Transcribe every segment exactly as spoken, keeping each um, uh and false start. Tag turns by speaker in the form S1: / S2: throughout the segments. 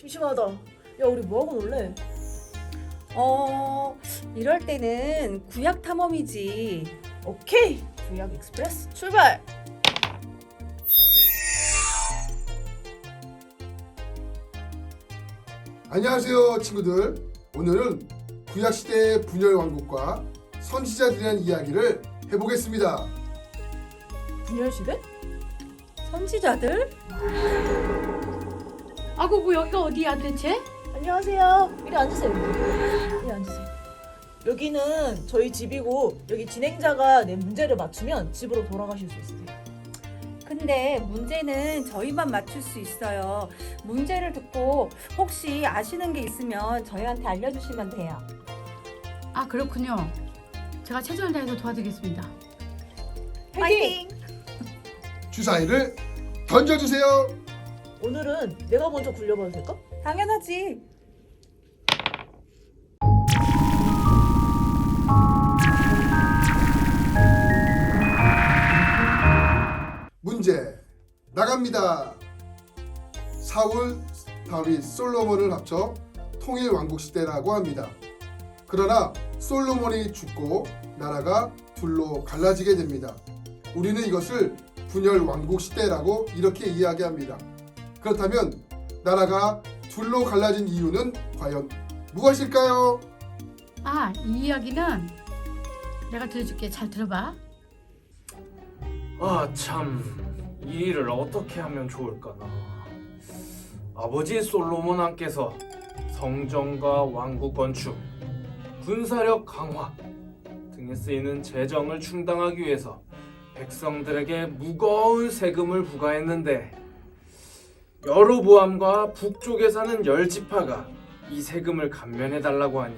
S1: 심심하다. 야, 우리 뭐하고 놀래?
S2: 어, 이럴 때는 구약 탐험이지.
S1: 오케이! 구약 익스프레스 출발!
S3: 안녕하세요 친구들. 오늘은 구약시대의 분열 왕국과 선지자들에 대한 이야기를 해보겠습니다.
S1: 분열시대?
S2: 선지자들?
S4: 아고 그 여기가 어디야 대체?
S1: 안녕하세요. 이리 앉으세요. 이리 앉으세요. 여기는 저희 집이고 여기 진행자가 내 문제를 맞추면 집으로 돌아가실 수 있으세요.
S2: 근데 문제는 저희만 맞출 수 있어요. 문제를 듣고 혹시 아시는 게 있으면 저희한테 알려주시면 돼요.
S4: 아 그렇군요. 제가 최선을 다해서 도와드리겠습니다.
S1: 파이팅!
S3: 주사위를 던져주세요.
S1: 오늘은 내가 먼저 굴려봐도 될까?
S2: 당연하지.
S3: 문제 나갑니다. 사울, 다윗, 솔로몬을 합쳐 통일 왕국 시대라고 합니다. 그러나 솔로몬이 죽고 나라가 둘로 갈라지게 됩니다. 우리는 이것을 분열 왕국 시대라고 이렇게 이야기합니다. 그렇다면 나라가 둘로 갈라진 이유는 과연 무엇일까요?
S4: 아 이 이야기는 내가 들려줄게. 잘 들어봐.
S5: 아, 참, 이 일을 어떻게 하면 좋을까나. 아버지 솔로몬 왕께서 성전과 왕국 건축, 군사력 강화 등에 쓰이는 재정을 충당하기 위해서 백성들에게 무거운 세금을 부과했는데 여로보암과 북쪽에 사는 열 지파가 이 세금을 감면해달라고 하니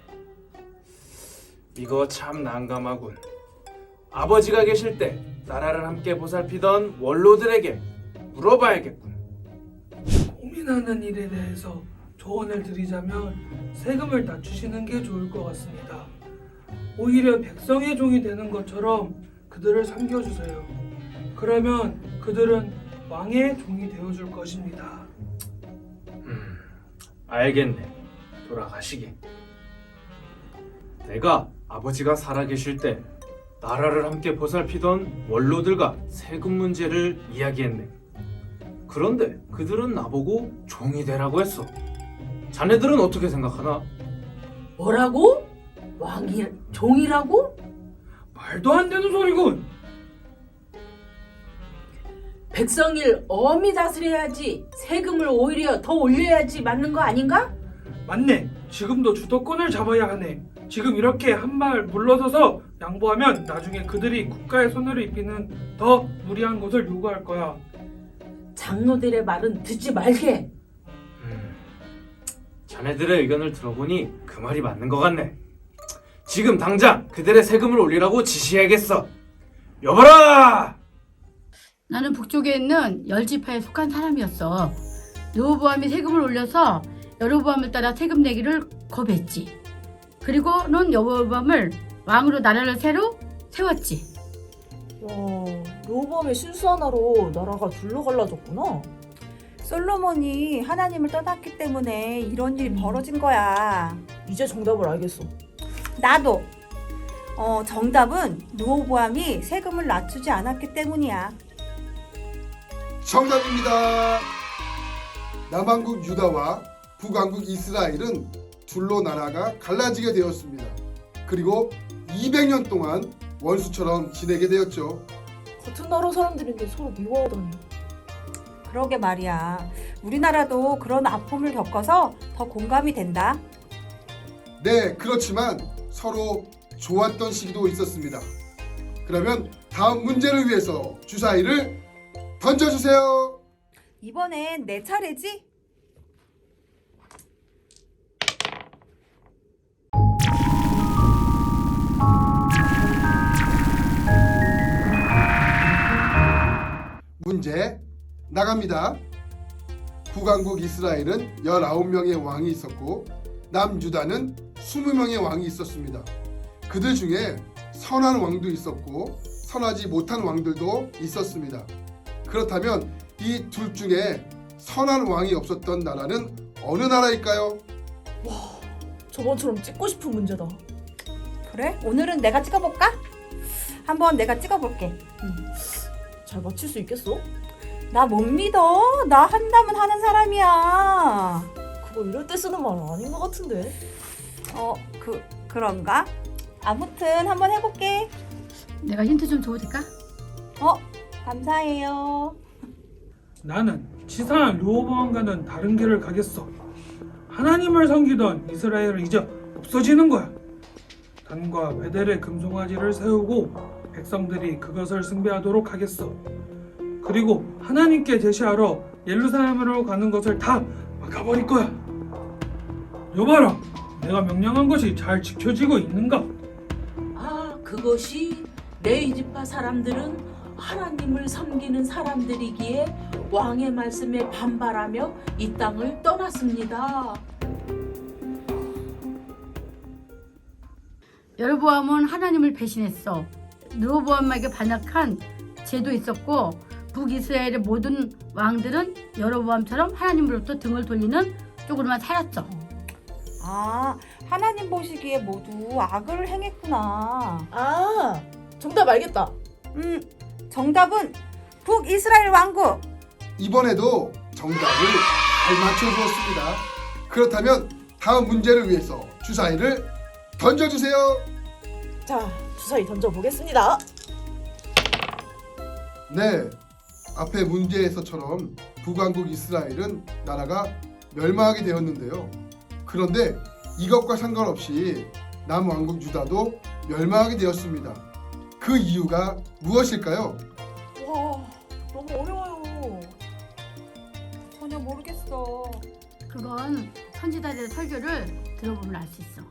S5: 이거 참 난감하군. 아버지가 계실 때 나라를 함께 보살피던 원로들에게 물어봐야겠군.
S6: 고민하는 일에 대해서 조언을 드리자면 세금을 낮추시는 게 좋을 것 같습니다. 오히려 백성의 종이 되는 것처럼 그들을 섬겨주세요. 그러면 그들은 왕의 종이 되어줄 것입니다.
S5: 음, 알겠네. 돌아가시게. 내가 아버지가 살아계실 때 나라를 함께 보살피던 원로들과 세금 문제를 이야기했네. 그런데 그들은 나보고 종이 되라고 했어. 자네들은 어떻게 생각하나?
S6: 뭐라고? 왕이 종이라고? 말도 안 되는 소리군.
S7: 백성을 엄히 다스려야지 세금을 오히려 더 올려야지 맞는 거 아닌가?
S6: 맞네. 지금도 주도권을 잡아야 하네. 지금 이렇게 한 발 물러서서 양보하면 나중에 그들이 국가의 손해를 입히는 더 무리한 것을 요구할 거야.
S7: 장로들의 말은 듣지 말게.
S5: 음, 자네들의 의견을 들어보니 그 말이 맞는 것 같네. 지금 당장 그들의 세금을 올리라고 지시해야겠어. 여봐라!
S4: 나는 북쪽에 있는 열 지파에 속한 사람이었어. 르호보암이 세금을 올려서 여로보암을 따라 세금 내기를 거부했지. 그리고는 여로보암을 왕으로 나라를 새로 세웠지.
S1: 와, 로보암의 실수 하나로 나라가 둘로 갈라졌구나.
S2: 솔로몬이 하나님을 떠났기 때문에 이런 일이 벌어진 거야.
S1: 이제 정답을 알겠어.
S2: 나도. 어, 정답은 르호보암이 세금을 낮추지 않았기 때문이야.
S3: 정답입니다. 남왕국 유다와 북왕국 이스라엘은 둘로 나라가 갈라지게 되었습니다. 그리고 이백 년 동안 원수처럼 지내게 되었죠.
S1: 같은 나라 사람들인데 서로 미워하다니.
S2: 그러게 말이야. 우리나라도 그런 아픔을 겪어서 더 공감이 된다.
S3: 네, 그렇지만 서로 좋았던 시기도 있었습니다. 그러면 다음 문제를 위해서 주사위를 던져주세요.
S2: 이번엔 내 차례지?
S3: 문제 나갑니다. 북왕국 이스라엘은 열아홉 명의 왕이 있었고 남유다는 이십 명의 왕이 있었습니다. 그들 중에 선한 왕도 있었고 선하지 못한 왕들도 있었습니다. 그렇다면 이 둘 중에 선한 왕이 없었던 나라는 어느 나라일까요?
S1: 저번처럼 찍고 싶은 문제다.
S2: 그래? 오늘은 내가 찍어볼까? 한번 내가 찍어볼게.
S1: 잘 맞힐 수 있겠어?
S2: 나 못 믿어. 나 한다면 하는 사람이야.
S1: 그거 이럴 때 쓰는 말 아닌 것 같은데.
S2: 어, 그 그런가? 아무튼 한번 해볼게.
S4: 내가 힌트 좀 줘도 될까?
S2: 어, 감사해요.
S6: 나는 치사한 르호보암과는 다른 길을 가겠어. 하나님을 섬기던 이스라엘은 이제 없어지는 거야. 단과 베델의 금송아지를 세우고 백성들이 그것을 숭배하도록 하겠어. 그리고 하나님께 제시하러 예루살렘으로 가는 것을 다 막아버릴 거야. 여봐라, 내가 명령한 것이 잘 지켜지고 있는가?
S7: 아, 그것이 레이지파 사람들은 하나님을 섬기는 사람들이기에 왕의 말씀에 반발하며 이 땅을 떠났습니다.
S4: 여로보암은 하나님을 배신했어. 르호보암에게 반역한 죄도 있었고 북이스라엘의 모든 왕들은 여로보암처럼 하나님으로부터 등을 돌리는 쪽으로만 살았죠.
S2: 아, 하나님 보시기에 모두 악을 행했구나.
S1: 아, 정답 알겠다.
S2: 음, 정답은 북이스라엘 왕국.
S3: 이번에도 정답을 잘 맞춰주었습니다. 그렇다면 다음 문제를 위해서 주사위를 던져주세요.
S1: 자, 주사위 던져보겠습니다.
S3: 네, 앞에 문제에서처럼 북왕국 이스라엘은 나라가 멸망하게 되었는데요. 그런데 이것과 상관없이 남왕국 유다도 멸망하게 되었습니다. 그 이유가 무엇일까요?
S1: 와, 너무 어려워요.
S2: 전혀 모르겠어.
S4: 그건 선지자들의 설교를 들어보면 알 수 있어.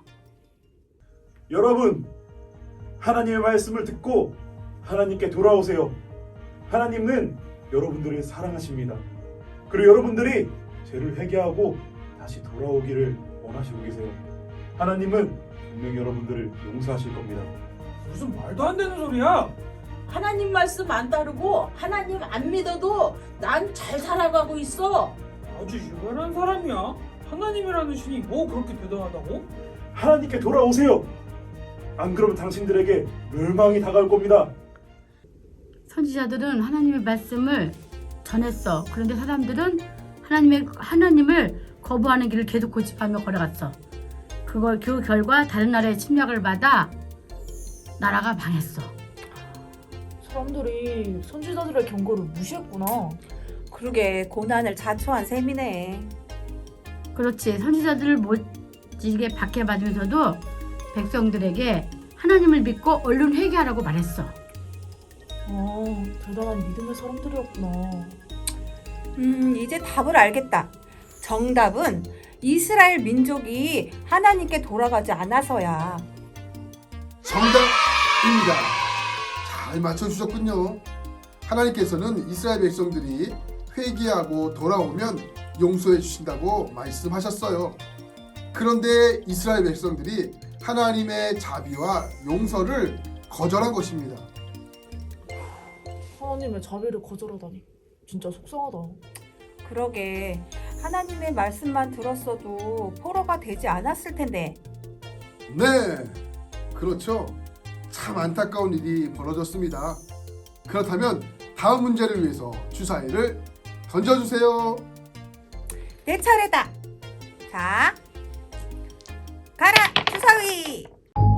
S8: 여러분, 하나님의 말씀을 듣고 하나님께 돌아오세요. 하나님은 여러분들을 사랑하십니다. 그리고 여러분들이 죄를 회개하고 다시 돌아오기를 원하시고 계세요. 하나님은 분명히 여러분들을 용서하실 겁니다.
S6: 무슨 말도 안 되는 소리야?
S7: 하나님 말씀 안 따르고 하나님 안 믿어도 난 잘 살아가고 있어.
S6: 아주 유별한 사람이야. 하나님이라는 신이 뭐 그렇게 대단하다고?
S8: 하나님께 돌아오세요. 안 그러면 당신들에게 멸망이 다가올 겁니다.
S4: 선지자들은 하나님의 말씀을 전했어. 그런데 사람들은 하나님의 하나님을 거부하는 길을 계속 고집하며 걸어갔어. 그걸 그 결과 다른 나라의 침략을 받아 나라가 망했어.
S1: 사람들이 선지자들의 경고를 무시했구나.
S2: 그러게 고난을 자초한 셈이네.
S4: 그렇지. 선지자들을 못지게 박해받으면서도 백성들에게 하나님을 믿고 얼른 회개하라고 말했어.
S1: 아, 대단한 믿음의 사람들이었구나.
S2: 음, 이제 답을 알겠다. 정답은 이스라엘 민족이 하나님께 돌아가지 않아서야.
S3: 정답입니다. 잘 맞춰주셨군요. 하나님께서는 이스라엘 백성들이 회개하고 돌아오면 용서해 주신다고 말씀하셨어요. 그런데 이스라엘 백성들이 하나님의 자비와 용서를 거절한 것입니다.
S1: 하나님의 자비를 거절하다니 진짜 속상하다.
S2: 그러게 하나님의 말씀만 들었어도 포로가 되지 않았을 텐데.
S3: 네, 그렇죠. 참 안타까운 일이 벌어졌습니다. 그렇다면 다음 문제를 위해서 주사위를 던져주세요.
S2: 내 차례다. 자, 가라 주사위.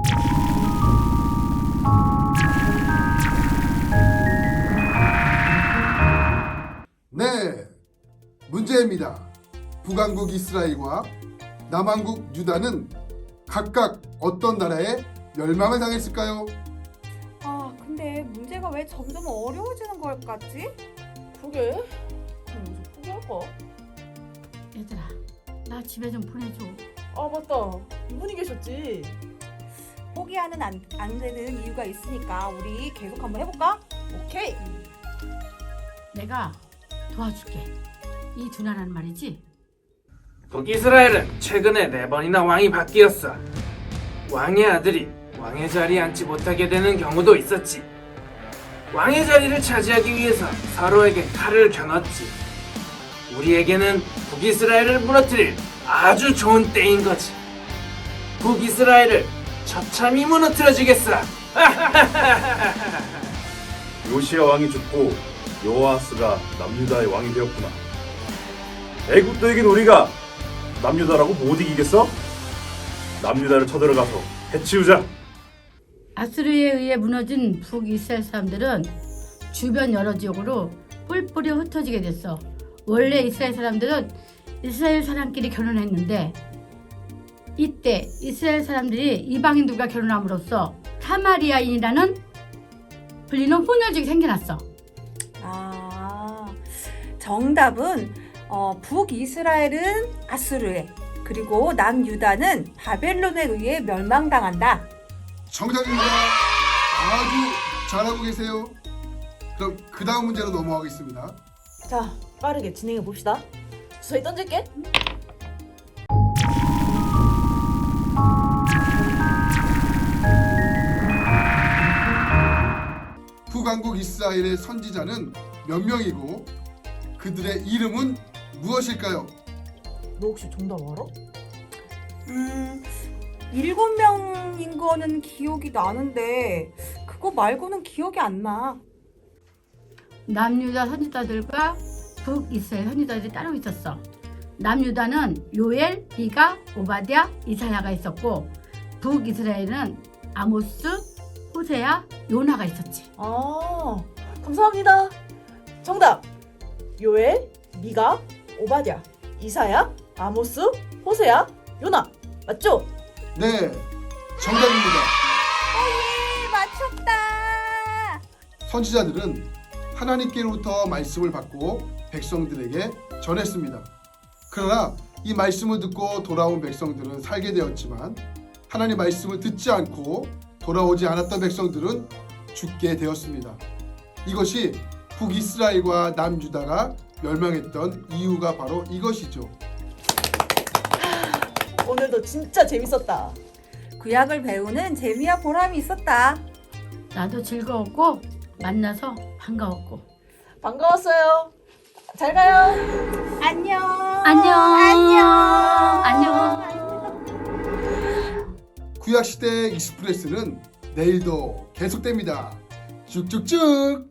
S3: 네, 문제입니다. 북왕국 이스라엘과 남왕국 유다는 각각 어떤 나라에 멸망을 당했을까요?
S2: 아, 근데 문제가 왜 점점 어려워지는 것 같지?
S1: 그게? 그럼 여기서 포기할까?
S4: 얘들아, 나 집에 좀 보내줘.
S1: 아, 맞다. 이분이 계셨지.
S2: 포기하는 안, 안 되는 이유가 있으니까 우리 계속 한번 해볼까?
S1: 오케이.
S4: 내가 도와줄게. 이 두 나라는 말이지.
S5: 북이스라엘은 최근에 네 번이나 왕이 바뀌었어. 왕의 아들이 왕의 자리에 앉지 못하게 되는 경우도 있었지. 왕의 자리를 차지하기 위해서 서로에게 칼을 겨눴지. 우리에게는 북이스라엘을 무너뜨릴 아주 좋은 때인 거지. 북이스라엘을 처참히 무너뜨려주겠어.
S8: 요시야 왕이 죽고 여호아스가 남유다의 왕이 되었구나. 애굽도 이긴 우리가 남유다라고 못 이기겠어? 남유다를 쳐들어가서 해치우자.
S4: 아수르에 의해 무너진 북이스라엘 사람들은 주변 여러 지역으로 뿔뿔이 흩어지게 됐어. 원래 이스라엘 사람들은 이스라엘 사람끼리 결혼했는데 이때 이스라엘 사람들이 이방인들과 결혼함으로써 사마리아인이라는 불리는 혼혈족이 생겨났어.
S2: 아, 정답은 어, 북이스라엘은 아수르에, 그리고 남유다는 바벨론에 의해 멸망당한다.
S3: 정답입니다. 아주 잘하고 계세요. 그럼 그 다음 문제로 넘어가겠습니다.
S1: 자, 빠르게 진행해 봅시다. 주사위 던질게.
S3: 북왕국 이스라엘의 선지자는 몇 명이고 그들의 이름은 무엇일까요?
S1: 너 혹시 정답 알아?
S2: 음, 일곱 명인 거는 기억이 나는데 그거 말고는 기억이 안 나.
S4: 남유다 선지자들과 북이스라엘 선지자들이 따로 있었어. 남유다는 요엘, 미가, 오바댜, 이사야가 있었고 북이스라엘은 아모스, 호세야, 요나가 있었지.
S1: 아, 감사합니다. 정답. 요엘, 미가, 오바댜, 이사야, 아모스, 호세야, 요나. 맞죠?
S3: 네, 정답입니다.
S2: 예, 맞췄다.
S3: 선지자들은 하나님께로부터 말씀을 받고 백성들에게 전했습니다. 그러나 이 말씀을 듣고 돌아온 백성들은 살게 되었지만 하나님 말씀을 듣지 않고 돌아오지 않았던 백성들은 죽게 되었습니다. 이것이 북이스라엘과 남유다가 멸망했던 이유가 바로 이것이죠.
S1: 오늘도 진짜 재밌었다.
S2: 구약을 배우는 재미와 보람이 있었다.
S4: 나도 즐거웠고 만나서 반가웠고.
S1: 반가웠어요. 잘 가요.
S2: 안녕.
S4: 안녕.
S2: 안녕.
S4: 안녕.
S3: 구약시대 익스프레스는 내일도 계속됩니다. 쭉쭉쭉.